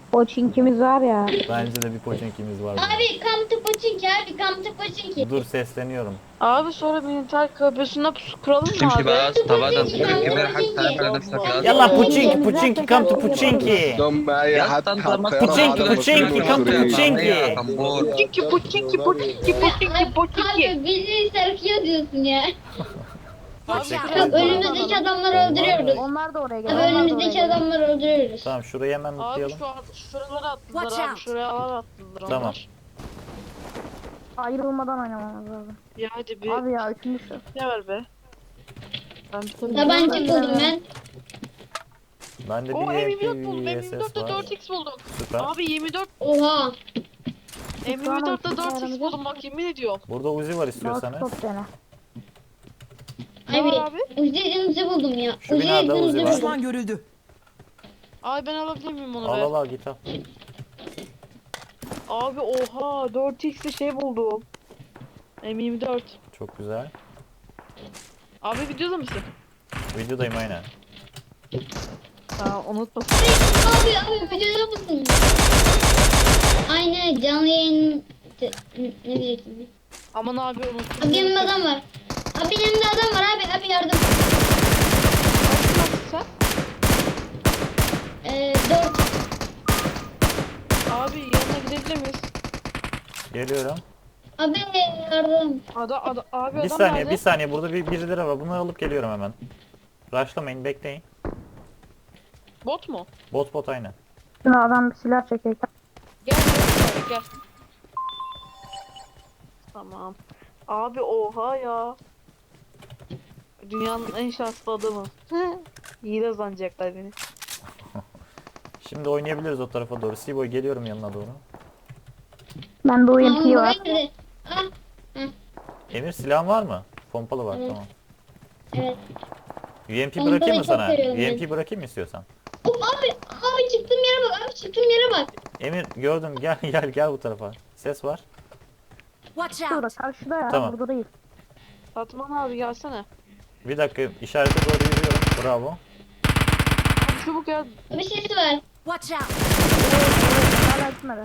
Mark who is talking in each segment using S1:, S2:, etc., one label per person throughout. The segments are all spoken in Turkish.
S1: Poçinkimiz var ya.
S2: Bence de bir Pochinki'miz var burada.
S3: Abi come to Pochinki abi come to Pochinki.
S2: Dur sesleniyorum.
S4: Abi sonra militer köprüsüne pusu kuralım mı
S5: تمشي
S4: abi?
S5: بقى طبعا
S3: Pochinki come to
S5: كبير حاجة
S3: Pochinki.
S5: تعمل نفسك يا
S2: Yalla
S5: اسطى
S2: Puchinki Puchinki come to Puchinki.
S6: ضم اي
S5: يا
S6: حد
S5: اسطى انت
S6: حط
S5: ما
S6: طياره
S2: Puchinki
S6: بعد
S2: Puchinki come to Puchinki.
S5: كمبور
S4: Puçinki puçinki puçinki puçinki puçinki.
S3: Abi bizi sarkıyor diyorsun ya.
S4: Abi
S3: Bak
S4: şuraya
S3: önümüzdeki adamları öldürüyoruz.
S1: Onlar da oraya
S3: Abi
S1: geliyor.
S3: önümüzdeki adamları öldürüyoruz.
S2: Tamam şurayı hemen
S4: Abi
S2: mutlayalım.
S4: şuralara attılar
S7: Watch
S4: abi
S7: out.
S4: şuraya attılar onlar.
S2: Tamam.
S1: Ayrılmadan oynamamız lazım.
S4: Ya hadi bir
S1: Abi ya üçüncü şu.
S4: ne ver be. Ben bir tabii.
S3: Tabanca buldum ben.
S2: Bende
S4: O
S2: bir
S4: M24 buldum.
S2: VSS
S4: M24'te
S2: var.
S4: 4x buldum.
S2: Süper.
S4: Abi 24
S3: Oha.
S4: M24'te 4x buldum bak yemin ediyorum.
S2: Burada Uzi var
S1: Mouse
S2: istiyorsanız.
S1: top dene.
S4: Ne
S3: Abi
S4: var abi?
S3: Uzi'mizi buldum ya.
S2: Şu binada Uzi var.
S3: buldum.
S7: Düşman görüldü.
S4: Abi ben alabilir miyim onu
S2: Al
S4: be?
S2: al git al.
S4: Abi oha 4x'li şey buldum. M24.
S2: Çok güzel.
S4: Abi videoda mısın?
S2: Videodayım aynen.
S4: Ha unutma.
S3: Abi videoda mısın? Aynen canlı yayın... Ne diyecektim?
S4: Aman abi unuttum.
S3: Abi yanımda adam var. Abi yanımda adam var abi yardım.
S4: Sen?
S3: 4.
S4: Abi yanına gidebilir miyiz?
S2: Geliyorum.
S3: Abi yardım.
S4: Abi
S2: Bir
S4: adam
S2: saniye
S4: nerede?
S2: bir saniye burada birileri var. Bunları alıp geliyorum hemen. Rushlamayın bekleyin.
S4: Bot mu?
S2: Bot aynen.
S1: Şimdi adam bir silah çekecek.
S4: Gel. Tamam. Abi oha ya. Dünyanın en şanslı adamı. İyi de zanacaklar beni.
S2: Şimdi oynayabiliriz o tarafa doğru. Seaboy geliyorum yanına doğru.
S1: Bende UMP var.
S3: Nerede? Ah
S2: Emir silahın var mı? Pompalı var
S3: Evet.
S2: tamam.
S3: evet.
S2: UMP
S3: Pompalıyı
S2: bırakayım mı
S3: çok
S2: sana?
S3: seviyorum ben.
S2: UMP bırakayım mı istiyorsan?
S3: Hop abi çıktığım yere bak abi çıktığım yere bak.
S2: Emir gördüm gel bu tarafa. Ses var.
S7: Watch
S1: Şurada
S7: out.
S1: karşıda ya.
S2: Tamam.
S1: Burada değil.
S4: Fatman abi gelsene.
S2: Bir dakika işarete doğru yürüyorum. Bravo.
S4: Abi çabuk gel.
S3: Bir sesi var.
S7: Watch out.
S1: Hala gitmedi.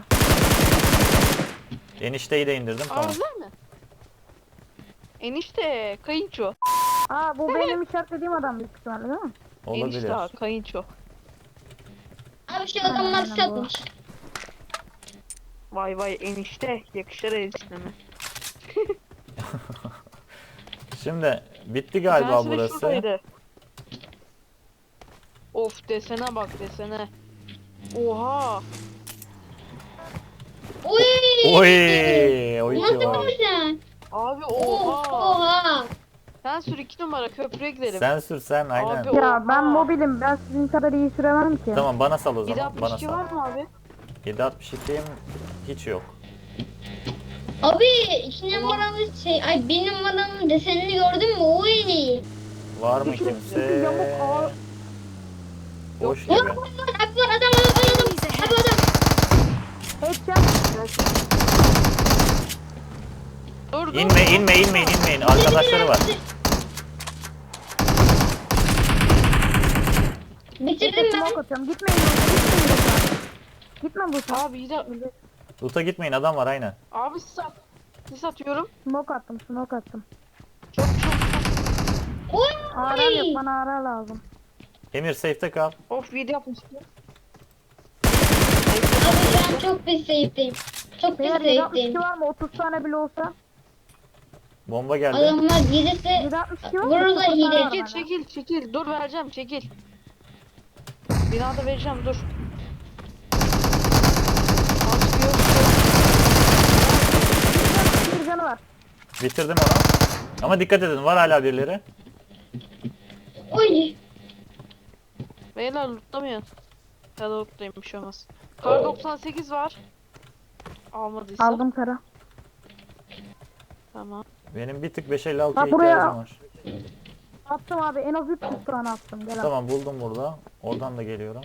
S2: Enişteyi de indirdim tamam.
S4: Arılar mı? Enişte kayınço.
S1: Aa bu benim işaretlediğim adam büyük ihtimalle değil mi?
S2: Olabilir.
S4: Enişte ha, kayınço.
S3: Abi şu adamlar satmış.
S4: Vay vay enişte yakışır enişteme.
S2: Şimdi bitti galiba
S4: Sensin de
S2: burası.
S4: şuradaydı. Of desene bak desene. Oha.
S3: Oy.
S2: Oy
S3: Nasıl
S2: var.
S3: vurursun?
S4: Abi
S3: Oha.
S4: oha.
S3: Oha.
S4: Sen sür 2 numara köprüye gidelim.
S2: Sen sür sen aynen.
S4: Abi,
S1: Ya ben
S4: oha.
S1: mobilim. Ben sizin kadar iyi süremem ki.
S2: Tamam bana sal o zaman. Bana
S4: 762
S2: sal.
S4: var mı abi?
S2: 7.62'm hiç yok.
S3: Abi 2 numaralı ay 1 numaranın desenini gördün mü? Oy.
S2: Var mı
S1: Çünkü
S2: kimse?
S1: yamuk ağır.
S2: Boş gibi.
S3: Yok var adam.
S7: Enemies ahead.
S3: Abi adam.
S1: Headshot.
S4: Dur dur.
S2: İnmeyin. Arkadaşları var.
S3: Bitirdim ben.
S1: Smoke atıyorum. Gitmeyin. Gitmeyin. Gitme bu sefer.
S4: Abi yine.
S2: Loot'a gitmeyin adam var aynen.
S4: Abi sis atıyorum.
S1: Smoke attım. Smoke attım.
S4: Çok.
S3: Oy.
S1: Ara yok. Bana ara lazım.
S2: Emir safe'te kal.
S4: Of 7 yapmıştım.
S3: Abi ben çok pis safe'deyim. Çok pis
S1: Beyler
S3: safe'deyim.
S1: 762 var mı? 30 tane bile olsa.
S2: Bomba geldi.
S3: Adamlar gelirse
S1: 762 var mı?
S3: vururlar
S1: 30 tane
S3: hile.
S1: var
S4: Çekil
S1: bende.
S4: çekil. Dur vereceğim çekil. Binada vereceğim dur. Abi yok.
S1: Bir canı var.
S2: Bitirdim onu. Ama dikkat edin var hala birileri.
S3: Oy.
S4: Beyler lootlamayın. Ya da lootlayın bir şey olmaz. Kar 98 var. Almadıysa.
S1: Aldım kara.
S4: Tamam.
S2: Benim bir tık 556'ya
S1: Ha, buraya-
S2: ihtiyacım var.
S1: Attım abi. En az 300 tane attım. Gel abi.
S2: Tamam buldum burada. Oradan da geliyorum.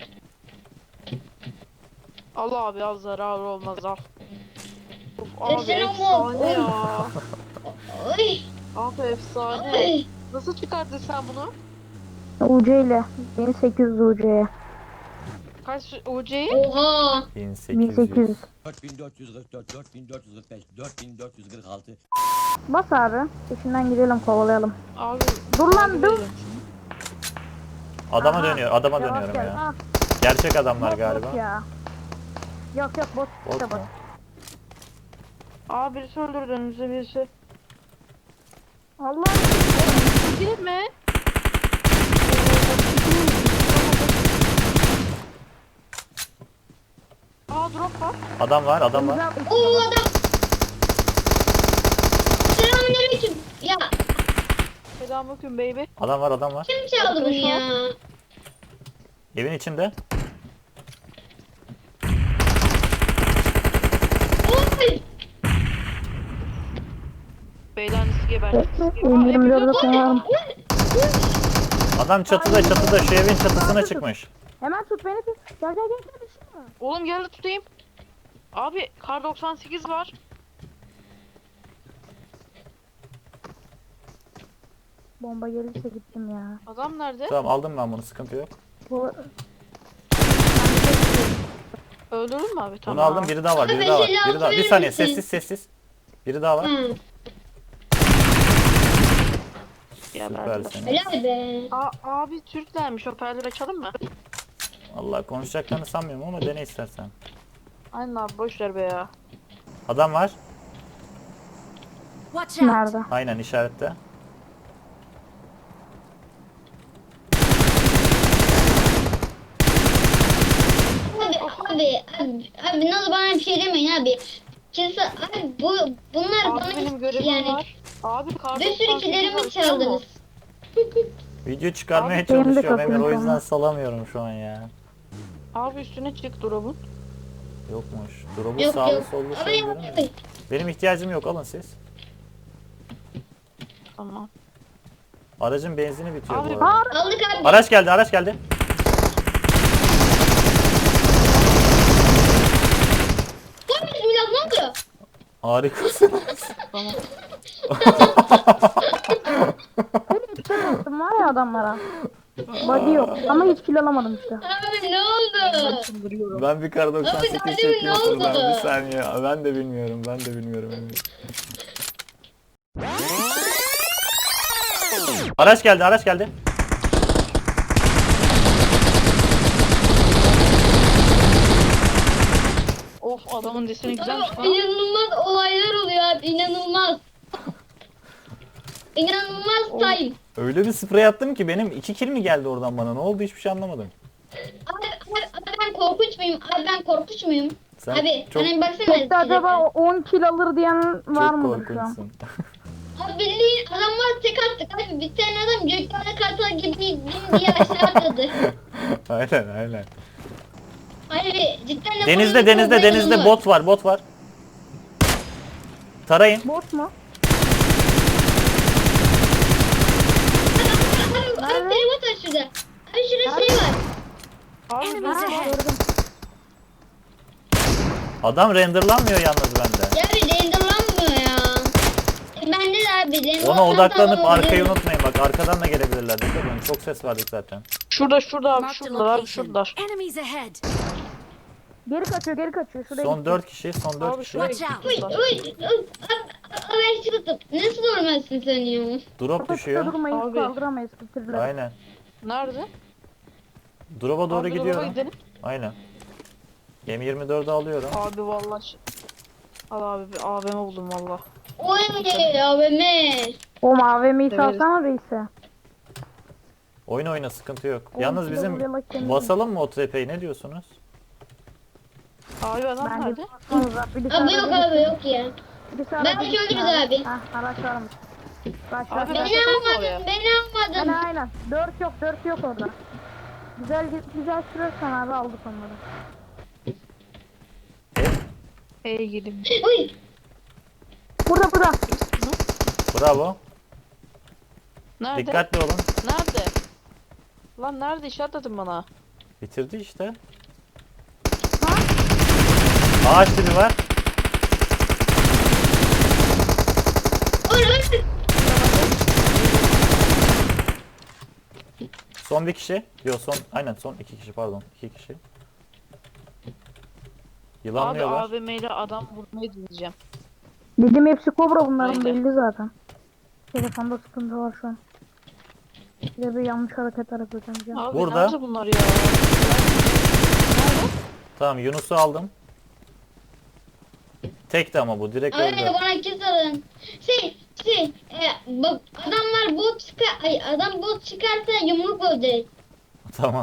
S4: Al abi al zarar olmaz al. Of, abi
S3: Desene
S4: efsane ya.
S3: Oy.
S4: Abi efsane.
S3: Oy.
S4: Nasıl çıkardın sen bunu?
S1: UC ile. Beni 800 UC'ye.
S4: Kaç UC'yi?
S3: Oha.
S2: 1800.
S1: 1800.
S5: 4444, 4445, 4446.
S1: Bas abi. Peşinden gidelim kovalayalım.
S4: Abi.
S1: Dur lan,
S4: abi
S1: dur.
S4: veriyorum.
S2: Adama
S1: Aha.
S2: dönüyor. Adama
S1: Yavaş
S2: dönüyorum
S1: gel.
S2: ya.
S1: Ah,
S2: Gerçek adamlar
S1: bot,
S2: galiba.
S1: bot ya. Yok yok bot.
S2: Bot
S1: işte
S2: mu?
S1: bot.
S4: Aa birisi öldürdü önümüzde birisi.
S1: Allah.
S4: Değil mi? Aa drop var.
S2: Adam var, adam var.
S3: Oo adam. Selamünaleyküm. Ya
S4: Selamünaleyküm baby.
S2: Adam var, adam var.
S3: kim çaldı bunu ya?
S2: Evin içinde.
S3: Oy.
S4: Beylerinizi gebertin.
S1: M24'de kullanalım.
S2: Adam çatıda, çatıda. Şu evin çatısına çıkmış.
S1: Hemen tut beni tut. Gel gel gel. Gel, düşürme.
S4: Oğlum gel de tutayım. Abi kar 98 var.
S1: Bomba gelirse gittim ya.
S4: Adam nerede?
S2: Tamam aldım ben bunu, sıkıntı yok.
S1: Bu...
S4: Öldürdün mü abi? Tamam.
S2: Bunu aldım, biri daha var, biri daha var. Biri daha. Bir saniye, sessiz sessiz. Biri daha var.
S3: Hı.
S4: Geberdiler.
S2: Süpersin.
S3: Helal be.
S4: Abi Türklermiş, hoparlör açalım mı?
S2: Allah konuşacaklarını sanmıyorum ama dene istersen.
S4: Aynen abi boş ver be ya.
S2: Adam var.
S7: Watch out!
S1: Nerede?
S2: Aynen işarette.
S3: Abi nasıl bana bir şey demeyin abi. Kimse abi bunlar
S4: Abi
S3: bana
S4: benim görevim
S3: yani
S4: var. Abi kar
S3: bir sürü
S4: 98 var,
S3: kilerimi
S4: biliyor
S3: çaldınız.
S4: musun?
S2: Video çıkarmaya
S4: Abi,
S1: benim de
S2: çalışıyorum Emir, o
S1: kapım
S2: yüzden
S1: sana.
S2: salamıyorum şu an ya.
S4: Abi üstüne çık drop'un.
S2: Yokmuş. Drop'u
S3: Yok
S2: sağlı
S3: yok.
S2: sollu
S3: Abi
S2: şey
S3: yok.
S2: görünmüyor. Benim ihtiyacım yok, alın siz.
S4: Tamam.
S2: Aracın benzini bitiyor
S4: Abi,
S2: bu arada.
S3: Aldık abi.
S2: Araç geldi, araç geldi.
S3: Lan bismillah ne oldu?
S2: Harikasın.
S4: Tamam.
S1: Sen attım var ya adamlara. Body yok ama hiç kill alamadım işte.
S3: Abi ne oldu?
S2: Ben bir kar 98
S3: Abi,
S2: çektim
S3: ne oldu?
S2: şuradan, bir saniye. Ben de bilmiyorum, ben de bilmiyorum Emir. Araç geldi, araç geldi.
S4: Of adamın deseni güzelmiş
S3: Abi,
S4: lan.
S3: inanılmaz olaylar oluyor abi inanılmaz. İnanılmaz time.
S2: Öyle bir sprey attım ki benim 2 kill mi geldi oradan bana? Ne oldu hiçbir şey anlamadım.
S3: Abi ben korkunç muyum? Abi ben korkunç muyum?
S2: Sen
S3: Abi
S2: çok,
S3: bana bir baksana.
S1: İşte acaba 10 kill alır diyen var
S2: çok
S1: mıdır şu an?
S2: korkunçsun.
S3: Abi bildiğin adamlar tek attık abi. Bir tane adam göklerde kartal gibi bin diye aşağı atladı.
S2: Aynen aynen.
S3: Abi cidden de
S2: Denizde
S3: bunun
S2: denizde
S3: çok
S2: denizde
S3: oyunu var.
S2: bot var, bot var. Tarayın.
S1: Bot mu?
S3: Abi telefon var şurada. Abi şurada şey var.
S4: Abi
S7: Enemies
S4: ben
S7: ahead!
S2: Adam renderlanmıyor yalnız bende.
S3: Ya bir renderlanmıyor ya. Bende de abi. renderlan
S2: Ona odaklanıp
S3: tamam,
S2: arkayı
S3: renderlan-
S2: unutmayın, bak arkadan da gelebilirler. Dikkat edin, çok ses verdik zaten.
S4: şurada abi
S7: Marked a
S4: şuradalar abi
S7: location.
S4: şuradalar.
S7: Enemies ahead!
S1: Geri kaçıyor geri kaçıyor. Şuraya
S2: Son
S1: gitti.
S2: 4 kişi, son 4
S4: Abi
S2: kişi.
S4: şuraya
S7: Watch out.
S3: Uy
S4: gittiler.
S3: uy. Abi çıktım. Nasıl olmazsın sen ya?
S2: Drop
S1: Kapıda
S2: düşüyor.
S1: durmayız
S4: Abi.
S1: kaldıramayız bitirdiler.
S2: Aynen.
S4: Nerede?
S2: Drop'a doğru
S4: Abi, drop'a
S2: gidiyorum.
S4: gidelim.
S2: Aynen. M24'ü alıyorum.
S4: Abi vallahi. Al abi bir AVM buldum valla.
S3: Oy abime.
S1: O AVM'yi
S4: Evet.
S1: salsana reise.
S2: Oyun oyna, sıkıntı yok.
S1: Oğlum,
S2: Yalnız
S1: şurada
S2: bizim
S1: buraya bak kendine.
S2: basalım mı o tepeyi, ne diyorsunuz?
S4: Abi adam
S1: Bence
S4: nerede?
S1: baksanıza. Birisi
S3: Abi yok
S1: arada
S3: abi yok ya.
S1: birisi
S3: Ben
S1: arada
S3: bir
S1: gitsin
S3: öldürürüz abi.
S1: Hah araç varmış. Bak
S4: Abi,
S1: bak.
S4: ben-
S3: Beni
S4: oraya.
S3: almadın beni almadın.
S1: Aynen. 4 yok orada. Güzel sürersen abi aldık onları.
S4: Hey gidim.
S3: Uy.
S1: Burada.
S2: Bravo.
S4: Nerede?
S2: Dikkatli olun.
S4: Nerede? Lan nerede işaretledin bana?
S2: Bitirdi işte. Ağaç dibi var.
S3: Oy.
S2: Son bir kişi. Yok son, aynen son 2 kişi, pardon. 2 kişi.
S4: Abi
S2: Yılanlıyorlar.
S4: AVM ile adam vurmayı deneyeceğim.
S1: Dedim hepsi kobra bunların
S4: Aynen.
S1: belli zaten. Telefonda sıkıntı var şu an. Bir de bir yanlış hareket yapacağım.
S4: Abi
S2: Burada.
S4: nerede bunlar ya?
S2: Tamam Yunus'u aldım. Tekti ama bu direkt
S3: Abi
S2: öldü.
S3: bana kiss alın. Adamlar bot adam bot çıkarsa yumruk öldürür.
S2: Tamam.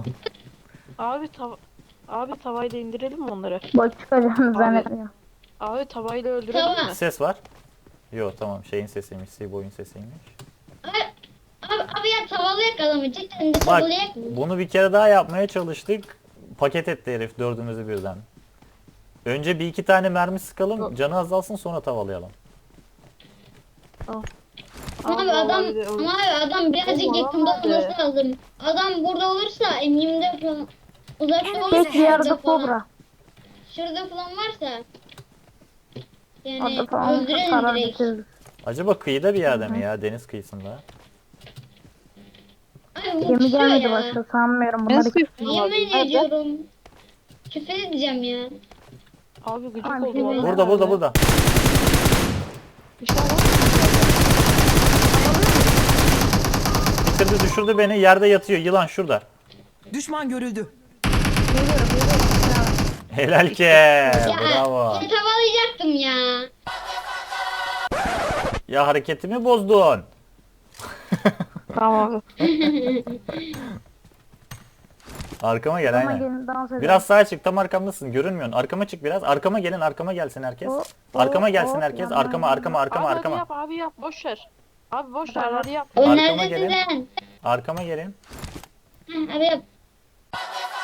S4: Abi tavayla indirelim mi onları?
S1: Bak çıkacağını zannetmiyorum.
S4: Abi tavayla öldürelim
S3: Tamam.
S4: mi?
S2: Ses var. Yo tamam şeyin sesiymiş. Seaboy'un sesiymiş.
S3: Abi ya tavalayak adamı cidden de
S2: Bak
S3: tavalayak mı?
S2: bunu bir kere daha yapmaya çalıştık. Paket etti herif dördümüzü birden. Önce bir iki tane mermi sıkalım. Canı azalsın sonra tavalayalım.
S3: Ama adam birazcık
S4: Oğlum,
S3: yakında
S4: adam
S3: olması lazım. Adam burada olursa M24 falan uzakta olursa
S1: Tek bir yerde
S3: şurada falan-
S1: kobra.
S3: Şurada falan varsa yani
S1: Orada falan
S3: öldürelim
S1: karar
S3: direkt.
S1: bitiririz.
S2: Acaba kıyıda bir yerde mi ya? Deniz kıyısında.
S3: Abi bu
S1: Gemi
S3: kusuyor
S1: gelmedi
S3: ya.
S1: başka sanmıyorum. Bunlar iki...
S3: Yemin ediyorum. Küfür edeceğim ya.
S4: Abi gıcık
S1: Abi,
S4: oldu valla.
S2: Burada.
S4: İşte adam.
S2: Bitirdi düşürdü beni. Yerde yatıyor. Yılan şurada.
S6: Düşman görüldü.
S2: Helal ki. Bravo.
S3: Ya tavalayacaktım ya.
S2: Ya hareketimi bozdun.
S4: Tamam abi.
S2: Arkama gel
S1: Ama
S2: aynen.
S1: gelin dans edelim.
S2: Biraz sağa çık tam arkamdasın görünmüyorsun. Arkama çık biraz. Arkama gelin arkama gelsin herkes.
S1: Hop,
S2: Arkama
S1: hop,
S2: gelsin
S1: hop,
S2: herkes.
S1: yandan,
S2: Arkama arkama arkama
S4: Abi hadi
S2: arkama.
S4: yap abi yap boş ver. Abi boş ver hadi yap.
S3: O
S2: Arkama
S3: neredesin
S2: gelin.
S3: sen?
S2: Arkama gelin.
S3: Heh, abi yap.